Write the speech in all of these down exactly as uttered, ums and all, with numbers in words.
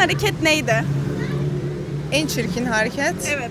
hareket neydi? En çirkin hareket. Evet.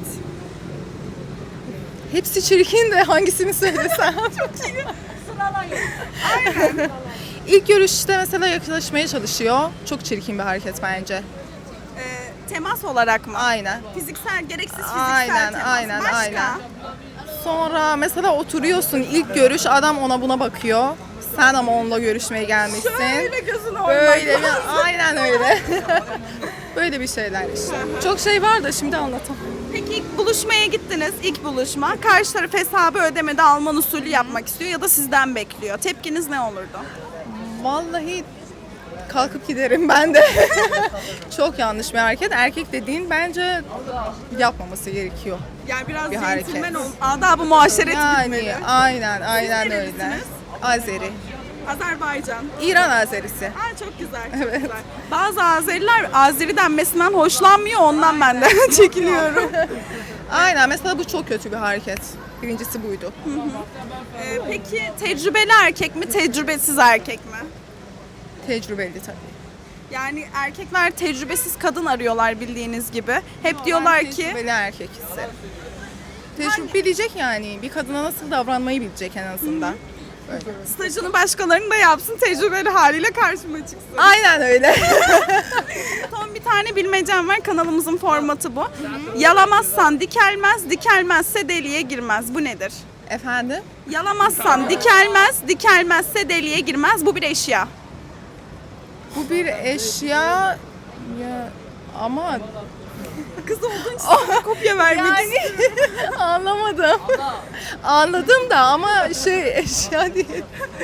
Hepsi çirkin de hangisini söylesem. Çok çirkin. Sıralayın. Aynen. İlk görüşte mesela yaklaşmaya çalışıyor. Çok çirkin bir hareket bence. Ee, temas olarak mı? Aynen. Fiziksel, gereksiz fiziksel Aynen, temas. aynen, Başka? aynen. Sonra mesela oturuyorsun, ilk görüş adam ona buna bakıyor. Sen ama onunla görüşmeye gelmişsin. Şöyle gözünü Böyle oymak bir, lazım. aynen öyle. Böyle bir şeyler işte. Çok şey var da şimdi anlatamam. Peki ilk buluşmaya gittiniz, ilk buluşma. Karşı taraf hesabı ödemede Alman usulü yapmak istiyor ya da sizden bekliyor. Tepkiniz ne olurdu? Vallahi kalkıp giderim ben de. Çok yanlış bir hareket. Erkek dediğin bence yapmaması gerekiyor. Yani biraz Bir hareket. centilmen ol. Adab-ı muaşeret Yani gitmeli. aynen aynen öyle. nerelisiniz? Azeri. Azerbaycan. İran Azerisi. Aa, çok güzel, çok güzel. Bazı Azeriler Azeri denmesinden hoşlanmıyor, ondan ben de çekiniyorum. Aynen mesela bu çok kötü bir hareket. Birincisi buydu. Ee, peki tecrübeli erkek mi, tecrübesiz erkek mi? Tecrübeli tabii. Yani erkekler tecrübesiz kadın arıyorlar bildiğiniz gibi. Hep diyorlar ki Tecrübeli erkek ise. Tecrübe bilecek yani. Bir kadına nasıl davranmayı bilecek en azından. Böyle. stajını başkalarının da yapsın, tecrübeli haliyle karşıma çıksın. Aynen öyle. Son bir tane bilmecem var, kanalımızın formatı bu. Yalamazsan dikelmez, dikelmezse deliğe girmez. Bu nedir? Efendim? Yalamazsan dikelmez, dikelmezse deliğe girmez. Bu bir eşya. Bu bir eşya ya ama Kız olduğun için sana kopya vermek yani anlamadım. Anladım da ama şey eşya değil.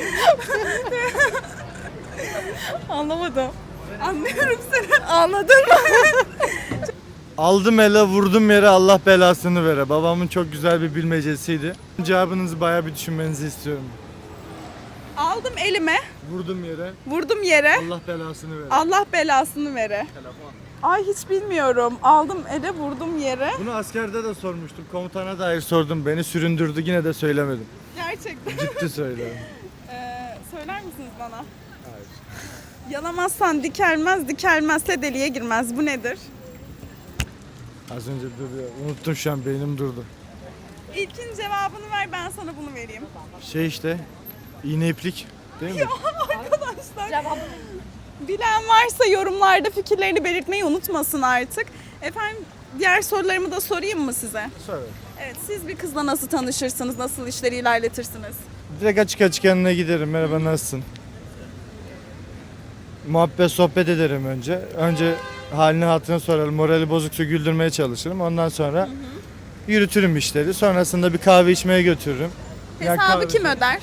Anlamadım. Anlıyorum seni. Anladın mı? Aldım ele vurdum yere Allah belasını vere. Babamın çok güzel bir bilmecesiydi. Cevabınızı bayağı bir düşünmenizi istiyorum. Aldım elime, Vurdum yere vurdum yere. Allah belasını vere. Allah belasını vere. Ay hiç bilmiyorum. Aldım ele, vurdum yere. Bunu askerde de sormuştum. Komutana dair sordum. Beni süründürdü. Yine de söylemedim. Gerçekten. Ciddi söylüyorum. Ee, söyler misiniz bana? Hayır. Yalamazsan dikelmez, dikelmezse deliğe girmez. Bu nedir? Az önce duruyor. Unuttum şu an beynim durdu. İlkin cevabını ver, ben sana bunu vereyim. Şey işte iğne iplik değil mi? Arkadaşlar. Bilen varsa yorumlarda fikirlerini belirtmeyi unutmasın artık. Efendim diğer sorularımı da sorayım mı size? Söyle. Evet, siz bir kızla nasıl tanışırsınız, nasıl işleri ilerletirsiniz? Direkt açık açık yanına giderim. Merhaba nasılsın? Muhabbet sohbet ederim önce. Önce halini hatırını sorarım. Morali bozuksa güldürmeye çalışırım. Ondan sonra yürütürüm işleri. Sonrasında bir kahve içmeye götürürüm. Ya Hesabı kahve- kim öder?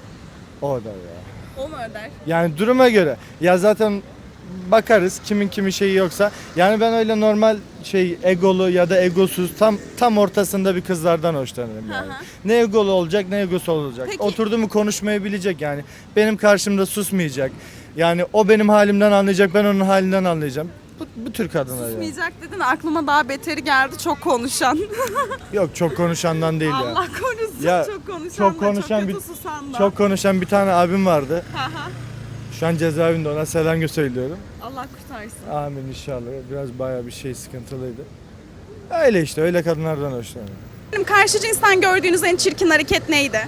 O da ya. O mu öder? Yani duruma göre. Ya zaten bakarız kimin kimin şeyi yoksa. Yani ben öyle normal şey egolu ya da egosuz tam tam ortasında bir kızlardan hoşlanırım yani. Hı hı. Ne egolu olacak ne egosu olacak. Peki. Oturdu mu konuşmayı bilecek yani. Benim karşımda susmayacak. Yani o benim halimden anlayacak, ben onun halinden anlayacağım. Bu, bu tür kadınlar yani. Susmayacak dedin, aklıma daha beteri geldi, çok konuşan. Yok çok konuşandan değil ya. Allah korusun, Ya, çok konuşan çok da, konuşan çok bir- kötü susan da. Çok konuşan bir tane abim vardı. Hı hı. Şu an cezaevinde, ona selam söylüyorum. Allah kurtarsın. Amin inşallah. Biraz bayağı bir şey sıkıntılıydı. Öyle işte, öyle kadınlardan hoşlanıyorum. Benim karşı cinsten gördüğünüz en çirkin hareket neydi?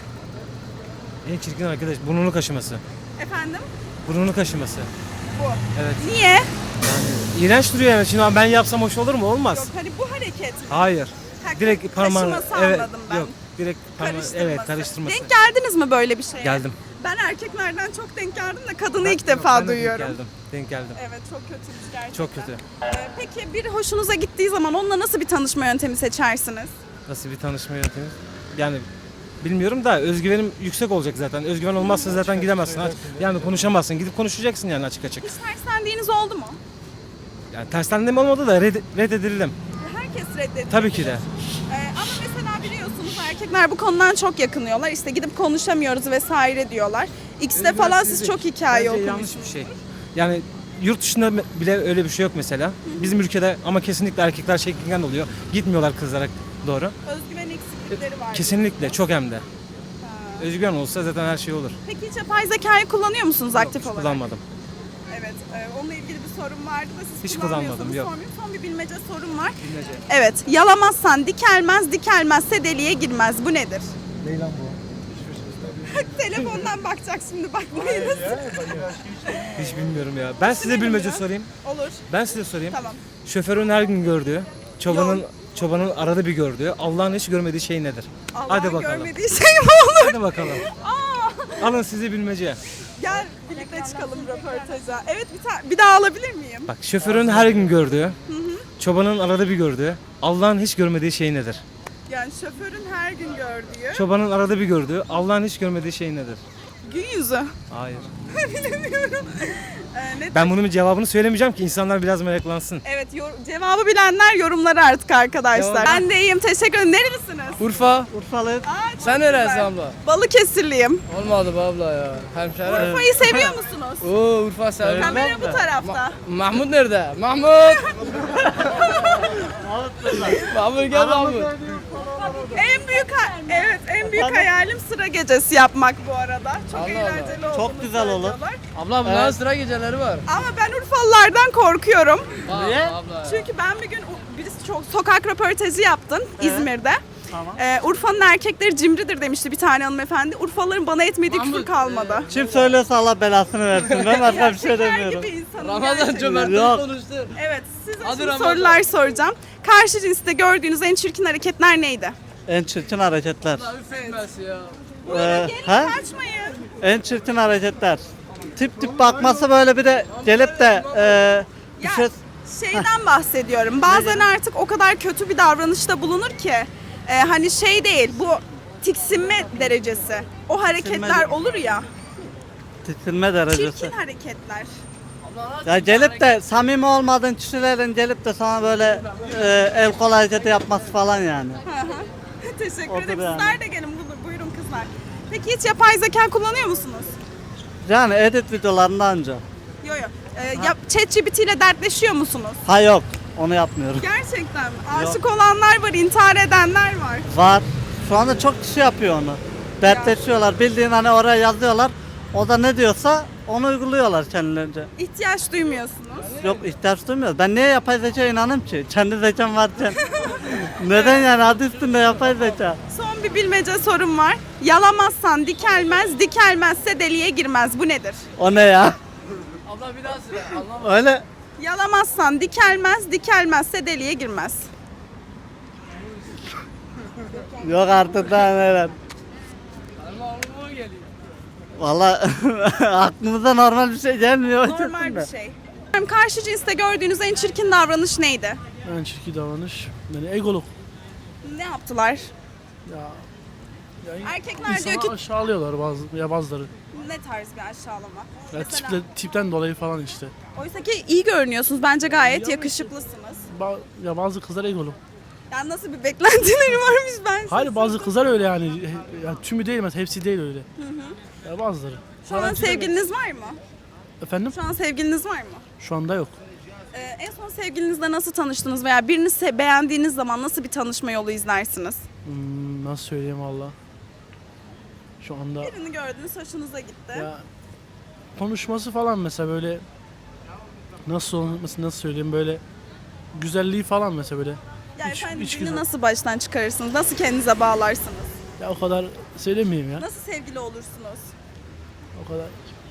En çirkin arkadaş burnunu kaşıması. Efendim? Burnunu kaşıması. Bu. Evet. Niye? Yani iğrenç duruyor yani. Şimdi ben yapsam hoş olur mu? Olmaz. Yok, hani bu hareket mi? Hayır. Ha, Direkt parmağını kaşıması evet. anladım ben. Yok. Direkt parmağı Karıştırması. evet karıştırması. Denk geldiniz mi böyle bir şeye? Geldim. Ben erkeklerden çok denk geldim de kadını Ben- ilk yok, defa ben de duyuyorum. Denk geldim. Denk geldim. Evet, çok kötüymüş gerçekten. Çok kötü. Ee, peki bir hoşunuza gittiği zaman onunla nasıl bir tanışma yöntemi seçersiniz? Nasıl bir tanışma yöntemi? Yani bilmiyorum da özgüvenim yüksek olacak zaten. Özgüven olmazsa zaten gidemezsin. Aç- Yani konuşamazsın. Gidip konuşacaksın yani açık açık. Hiç terslendiğiniz oldu mu? Yani tersten mi olmadı da red, reddedildim. Herkes reddediyor. Tabii ki de. Ee, ama mesela biliyorsunuz erkekler bu konudan çok yakınıyorlar. İşte gidip konuşamıyoruz vesaire diyorlar. X'te falan siz çok hikaye Bence okumuşsunuz. yanlış bir şey. Yani yurt dışında bile öyle bir şey yok mesela. Bizim ülkede ama kesinlikle erkekler çekingen oluyor. Gitmiyorlar kızlara doğru. Özgüven eksiklikleri var. Kesinlikle çok hem de. Özgüven olsa zaten her şey olur. Peki hiç yapay zekayı kullanıyor musunuz aktif Hiç olarak? kullanmadım. Evet. Ee, onunla ilgili bir sorum vardı da siz Hiç kullanmıyorsanız kullanmadım, yok. sormayayım. Son bir bilmece sorum var. Bilmece. Evet. Yalamazsan dikelmez, dikelmezse deliğe girmez. Bu nedir? Ne lan bu? Telefondan bakacak şimdi, bakmayınız. Hiç bilmiyorum ya. Ben size Düşünelim bilmece ya. sorayım. Olur. Ben size sorayım. Tamam. Şoförün her gün gördüğü, çobanın çobanın arada bir gördüğü, Allah'ın hiç görmediği şey nedir? Allah'ın Hadi bakalım. görmediği şey mi olur? Hadi bakalım. Alın size bilmece. Gel birlikte çıkalım röportaja. Evet, bir, ta- bir daha alabilir miyim? Bak şoförün her gün gördüğü, çobanın arada bir gördüğü, Allah'ın hiç görmediği şey nedir? Yani şoförün her gün gördüğü Çobanın arada bir gördüğü, Allah'ın hiç görmediği şey nedir? gün yüzü. Hayır. Bilemiyorum. Ee, ne Ben bunun cevabını söylemeyeceğim ki insanlar biraz meraklansın. Evet, yor- cevabı bilenler yorumlara artık arkadaşlar. Cevabı- Ben de iyiyim, teşekkür ederim. Nerelisiniz? Urfa. Urfalı. Aa, çok Sen güzel. neresi abla? Balıkesirliyim. Olmadı be abla ya. Hemşehri. Urfa'yı seviyor musunuz? Oo Urfa seviyorum. Kamera bu tarafta. Mahmut nerede? Mahmut. Mahmut gel Mahmut. En büyük ha- evet, en büyük hayalim sıra gecesi yapmak bu arada. Çok Allah eğlenceli olduğunu Çok güzel olur. söylüyorlar. Abla bunların sıra geceleri var. Ama ben Urfalılardan korkuyorum. Niye? Abla ya. Çünkü ben bir gün u- birisi çok sokak röportajı yaptın İzmir'de. Tamam. Ee, Urfa'nın erkekleri cimridir demişti bir tane hanımefendi. Urfalıların bana etmediği küfür Mahmut, kalmadı. Kim söylüyorsa Allah belasını versin. Ben başka bir şey Şeker demiyorum. gibi insanım Ramazan gerçekten. cömertliği Yok. konuştu. Evet, size Hadi şimdi Ramazan. sorular soracağım. Karşı cinste gördüğünüz en çirkin hareketler neydi? En çirkin hareketler. Üflenmesi ya. Ee, Gelin ha? kaçmayın. En çirkin hareketler. Tip tip bakması böyle bir de gelip de e, bir Ya, şey... şeyden bahsediyorum. Bazen artık o kadar kötü bir davranışta bulunur ki e, hani şey değil, bu tiksinme derecesi. O hareketler olur ya. tiksinme derecesi. Çirkin hareketler. Ya gelip de samimi olmadığın kişilerin gelip de sana böyle e, el kol hareketi yapması falan yani. Hı hı. Teşekkür Odur ederim. yani. Sizler de gelin. Buyurun, buyurun kızlar. Peki hiç yapay zeka kullanıyor musunuz? Yani edit videolarında anca. Yok yok. Ee, yap, ChatGPT ile dertleşiyor musunuz? Ha yok, onu yapmıyorum. Gerçekten mi? Aşık olanlar var, intihar edenler var. Var. Şu anda çok kişi yapıyor onu. Dertleşiyorlar. Bildiğin hani oraya yazıyorlar. O da ne diyorsa onu uyguluyorlar kendilerince. İhtiyaç duymuyorsunuz. Yok ihtiyaç duymuyoruz. Ben niye yapay zekaya inanayım ki? Kendi zekam varken. Neden yani adı üstünde yapay zeka? Son bir bilmece sorum var. Yalamazsan dikelmez, dikelmezse deliğe girmez. Bu nedir? O ne ya? Abla bir daha sıra. Anlamadım. Öyle. Yalamazsan dikelmez, dikelmezse deliğe girmez. Yok artık daha neler. Ama aklıma geliyor. Valla aklımıza normal bir şey gelmiyor. Normal bir şey. Karşı cinste gördüğünüz en çirkin davranış neydi? En çirkin davranış. Yani egoluk. Ne yaptılar? Ya, ya Erkekler insanı diyor ki aşağılıyorlar bazı ya bazıları. ne tarz bir aşağılama? Ya Mesela, tiple, tipten dolayı falan işte. oysa ki iyi görünüyorsunuz. Bence gayet yakışıklısınız. Ba- ya bazı kızlar egoluk. Yani nasıl bir beklentileri varmış ben size Hayır bazı sorayım. kızlar öyle yani. Ya, tümü değil mesela hepsi değil öyle. Ya bazıları. Şu an Garanti sevgiliniz var mı? demek- Efendim? Şu an sevgiliniz var mı? Şu anda yok. Ee, en son sevgilinizle nasıl tanıştınız veya birini se- beğendiğiniz zaman nasıl bir tanışma yolu izlersiniz? Hmm, nasıl söyleyeyim valla. Şu anda Birini gördünüz, hoşunuza gitti. ya konuşması falan mesela böyle nasıl olması nasıl söyleyeyim böyle güzelliği falan mesela böyle. yani iç- efendim iç birini güzel. nasıl baştan çıkarırsınız? Nasıl kendinize bağlarsınız? Ya o kadar söylemeyeyim ya. Nasıl sevgili olursunuz? O kadar.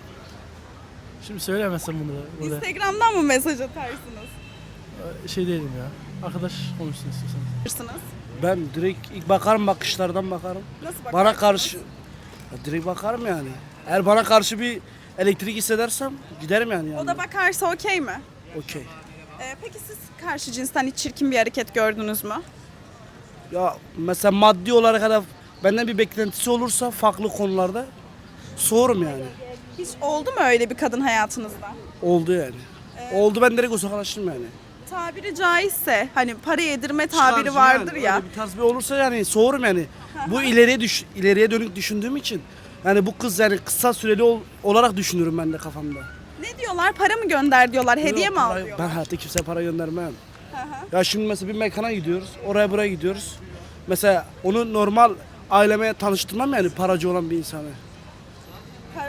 Şimdi söylemezsem bunu da burada. Instagram'dan mı mesaj atarsınız? Şey değilim ya. Arkadaş konuşsun istiyorsanız. Atırsınız? Ben direkt ilk bakarım, bakışlardan bakarım. Nasıl bakarsınız? Bana karşı Ya direkt bakarım yani. Eğer bana karşı bir elektrik hissedersem giderim yani. O yani. da bakarsa okey mi? Okey. Ee, peki siz karşı cinsten hiç çirkin bir hareket gördünüz mü? Ya mesela maddi olarak ya da benden bir beklentisi olursa farklı konularda soğurum yani. Hiç oldu mu öyle bir kadın hayatınızda? Oldu yani. Oldu, ben direkt uzaklaştım yani. Tabiri caizse hani para yedirme tabiri Şarjı vardır yani, ya. öyle bir tarz bir olursa yani soğurum yani. Bu ileriye düş ileriye dönük düşündüğüm için yani bu kız yani kısa süreli ol- olarak düşünürüm ben de kafamda. Ne diyorlar? Para mı gönder diyorlar, hediye Yok, mi al para- diyorlar? Ben hayatta kimseye para göndermem. Ya şimdi mesela bir mekana gidiyoruz, oraya buraya gidiyoruz. Mesela onu normal aileme tanıştırmam yani paracı olan bir insanı. Para- yani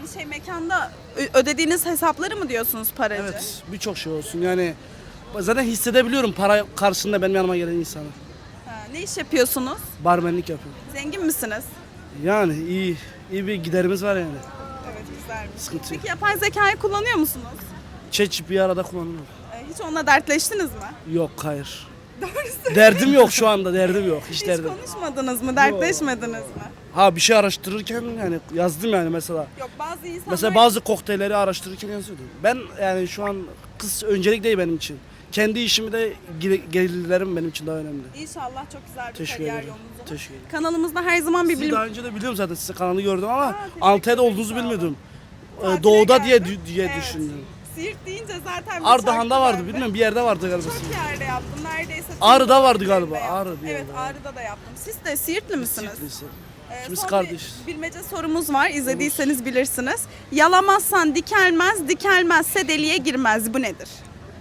Yani şey mekanda ö- ödediğiniz hesapları mı diyorsunuz paracı? Evet, birçok şey olsun. Yani zaten hissedebiliyorum para karşısında benim yanıma gelen insanı. Ha, ne iş yapıyorsunuz? Barmenlik yapıyorum. Zengin misiniz? Yani iyi iyi bir giderimiz var yani. Evet, güzelmiş. Sıkıntı yok. Peki yapay zekayı kullanıyor musunuz? Çeç bir arada kullanıyorum. Ee, hiç onunla dertleştiniz mi? Yok, hayır. Derdim yok şu anda, derdim yok. Hiç Hiç derdim. konuşmadınız mı? Dertleşmediniz mi? Ha bir şey araştırırken yani yazdım yani mesela. Yok, bazı insanlar... Mesela bazı kokteylleri araştırırken yazıyordum. Ben yani şu an kız öncelik değil benim için. Kendi işimi de gel- gelirlerim benim için daha önemli. İnşallah çok güzel bir Teşekkür kariyer ederim. yolunuz olur. Teşekkür ederim. Kanalımızda her zaman bir Sizi bilim... daha önce de biliyorum zaten, size kanalı gördüm ama teşekkür Antalya'da ederim, olduğunuzu sağ olun. bilmiyordum. Ee, Tatile Doğuda diye geldim. diye Evet. düşündüm. Siirt deyince zaten... bir Ardahan'da şarkı vardı, vardı. bilmiyorum bir yerde vardı galiba. Çok yerde yaptım. Neredeyse... tüm Ağrı'da vardı bölgelerinde galiba, yaptım. Ağrı bir Evet, yerde var. Ağrı'da da yaptım. Siz de Siirtli misiniz? Siirtlisi. Ee, Biz son kardeşiz. bir bilmece sorumuz var. İzlediyseniz bilirsiniz. Yalamazsan dikelmez, dikelmezse deliğe girmez. Bu nedir?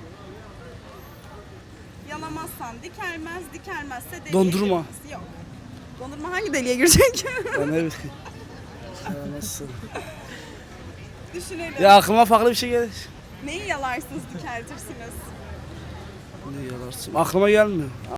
Yalamazsan dikelmez, dikelmezse deliğe Dondurma. girmez. Yok. Dondurma hangi deliğe girecek? Ben ne bileyim. Ya nasıl? Düşünelim. Ya aklıma farklı bir şey gelir. Neyi yalarsınız, dikeltirsiniz? Ne yalarsın? Aklıma gelmiyor.